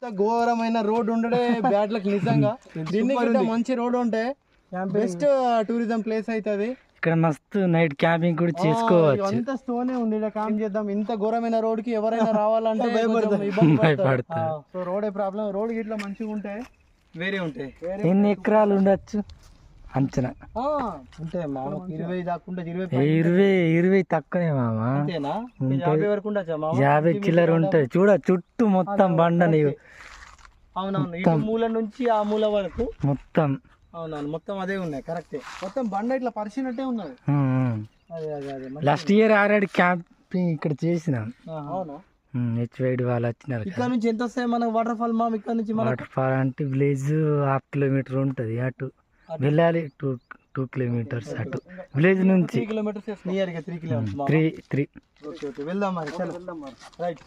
ఘోరమైన road ఉండడే bad luck నిజంగా. దీనికి మంచి రోడ్ ఉంటే బెస్ట్ టూరిజం ప్లేస్ అవుతుంది. ఇక్కడ మస్తు నైట్ క్యాంపింగ్ కూడా చేసుకోవచ్చు. అంత స్టోనే ఉంది ఇక్కడ క్యాంప్ చేద్దాం. ఇంత ఘోరమైన రోడ్ కి ఎవరైనా రావాలంటే భయపడతారు. So road problem. రోడ్ ఇట్లా మంచిగా ఉంటే వేరే ఉంటాయి. ఎన్ని ఎకరాలు ఉండొచ్చు అంచనా? అంటే 20 దాకా 20 తక్కువనే మామా. 50 వరకు ఉండొచ్చా? 50 చిల్లర ఉంటది. చూడ చుట్టూ మొత్తం బండ నీవు. అవునవును, ఈ మూల నుంచి ఆ మూల వరకు మొత్తం. అవునవును, మొత్తం అదే ఉన్నాయి. కరెక్టే, మొత్తం బండ ఇట్లా పరిచినట్టే ఉన్నది. లాస్ట్ ఇయర్ ఆల్రెడీ క్యాంపింగ్ ఇక్కడ చేసినాం. అవునా? హెచ్వైడి వాళ్ళు వచ్చినారు. ఇక్కడ నుంచి ఎంత వస్తాయి మనకు వాటర్ ఫాల్? మా ఇక్కడ నుంచి వాటర్ ఫాల్ అంటే విలేజ్ 1/2 కిలోమీటర్ ఉంటది. అటు వెళ్ళాలి 2 కిలోమీటర్స్. అటు విలేజ్ నుంచి 3 కిలోమీటర్స్. నియర్ గా 3 కిలోమీటర్స్. 3. ఓకే ఓకే, వెళ్దాం మరి. రైట్.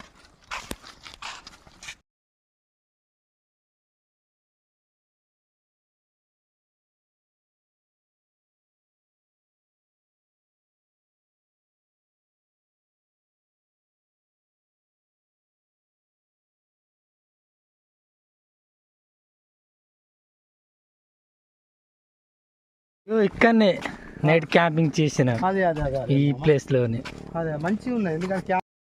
ఇక్కడనే నైట్ క్యాంపింగ్ చేసిన అదే అదే అదే ఈ ప్లేస్ లోనే. అదే మంచిగా ఉన్నది. ఎందుకంటే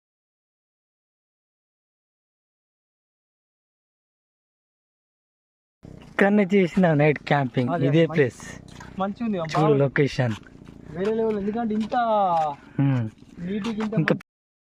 ఇక్కడనే చేసిన నైట్ క్యాంపింగ్. ఇదే ప్లేస్ మంచిగా ఉంది. చూడు లొకేషన్ వేరే లెవెల్. ఎందుకంటే ఇంత నీటికి ఇంకా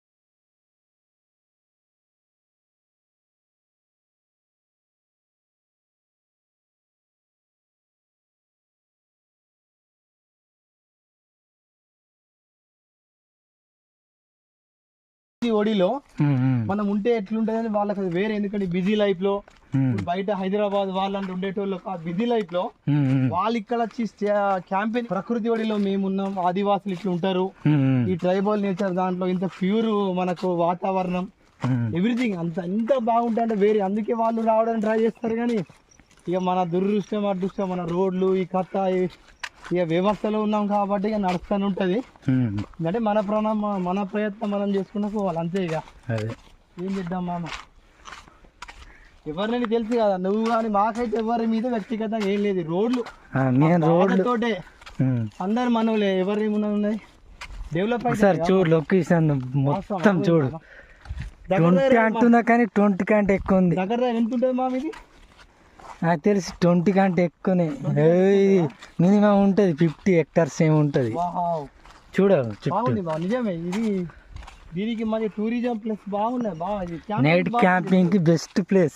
ఒడిలో మనం ఉంటే ఎట్లుంటది అని వాళ్ళకి అది వేరే. ఎందుకంటే బిజీ లైఫ్ లో బయట హైదరాబాద్ వాళ్ళంటే ఉండేటోళ్ళు బిజీ లైఫ్ లో వాళ్ళు ఇక్కడ వచ్చి క్యాంపెయిన్ ప్రకృతి ఒడిలో మేమున్నాం. ఆదివాసులు ఇట్లా ఉంటారు. ఈ ట్రైబల్ నేచర్ దాంట్లో ఇంత ప్యూర్ మనకు వాతావరణం ఎవ్రీథింగ్ అంత బాగుంటాయి అంటే వేరే. అందుకే వాళ్ళు రావడానికి ట్రై చేస్తారు. కానీ ఇక మన దురదృష్టం అదృష్టం మన రోడ్లు ఈ కథ ఇక వ్యవస్థలో ఉన్నాం కాబట్టి ఇక నడుస్తూనే ఉంటుంది. అంటే మన ప్రయత్నం మనం చేసుకున్నా పోవాలి అంతే. ఇక ఏం చేద్దాం మామ, ఎవరినైనా తెలుసు కదా నువ్వు కానీ. మాకైతే ఎవరి మీద వ్యక్తిగతంగా ఏం లేదు. రోడ్లతోటే అందరు మనవులే. ఎవరి ఉన్నాయి డెవలప్ సార్. చూడు లొకేషన్ మొత్తం చూడు. 20 అంటున్నా కానీ 20 కంటే ఎక్కువ ఉంది. దగ్గర ఎంత ఉంటుంది మా ఇది? నాకు తెలిసి 20 కంటే ఎక్కువనే. మినిమం ఉంటుంది 50 hectares ఏమి ఉంటుంది. చూడ నిజమే. ఇది దీనికి మరి టూరిజం ప్లేస్ బాగున్నాయి. బాగా నైట్ క్యాంపింగ్ కి best place.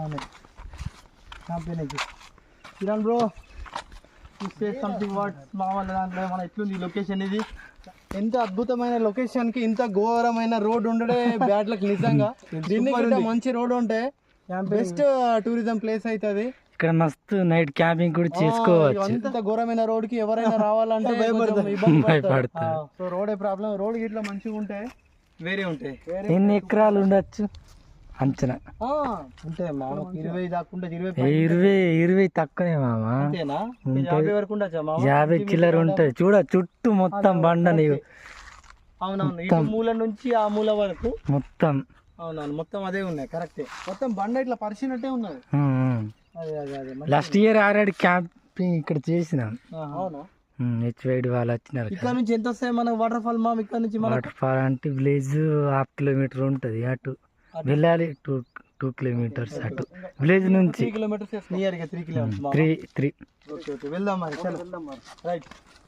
Kiran bro something what మా వాళ్ళ దాంట్లో మన ఎట్లుంది లొకేషన్? ఇది ఎంత అద్భుతమైన లొకేషన్ కి ఇంత ఘోరమైన రోడ్ ఉండడే బ్యాడ్ లక్ నిజంగా. దీనికి మంచి రోడ్ ఉంటే బెస్ట్ టూరిజం ప్లేస్ అవుతుంది. ఇక్కడ మస్తు నైట్ క్యాంపింగ్ కూడా చేసుకోవచ్చు. అంత ఘోరమైన రోడ్ కి ఎవరైనా రావాలంటే భయపడతారు. So road problem. రోడ్ ఇట్లా మంచిగా ఉంటే వేరే ఉంటాయి. ఎన్ని ఎకరాలు ఉండొచ్చు అంచనా? అంటే 20 దాకా 20 తక్కువనే మామా. 50 వరకు ఉండొచ్చా? 50 చిల్లర ఉంటది. చూడ చుట్టూ మొత్తం బండ నీవు. అవునవును, ఈ మూల నుంచి ఆ మూల వరకు మొత్తం. అవునవును, మొత్తం అదే ఉన్నాయి. కరెక్టే, మొత్తం బండ ఇట్లా పరిచినట్టే ఉన్నది. అదే అదే అదే. లాస్ట్ ఇయర్ ఆల్రెడీ క్యాంపింగ్ ఇక్కడ చేసినాం. అవునా? హెచ్వైడి వాళ్ళు వచ్చినారు. ఇక్కడ నుంచి ఎంత వస్తాయి మనకు వాటర్ ఫాల్? మా ఇక్కడ నుంచి వాటర్ ఫాల్ అంటే విలేజ్ 1/2 కిలోమీటర్ ఉంటది. అటు వెళ్ళాలి 2 కిలోమీటర్స్. అటు విలేజ్ నుంచి 3 కిలోమీటర్స్. నియర్ గా 3 కిలోమీటర్స్. 3. ఓకే ఓకే, వెళ్దాం మరి. రైట్.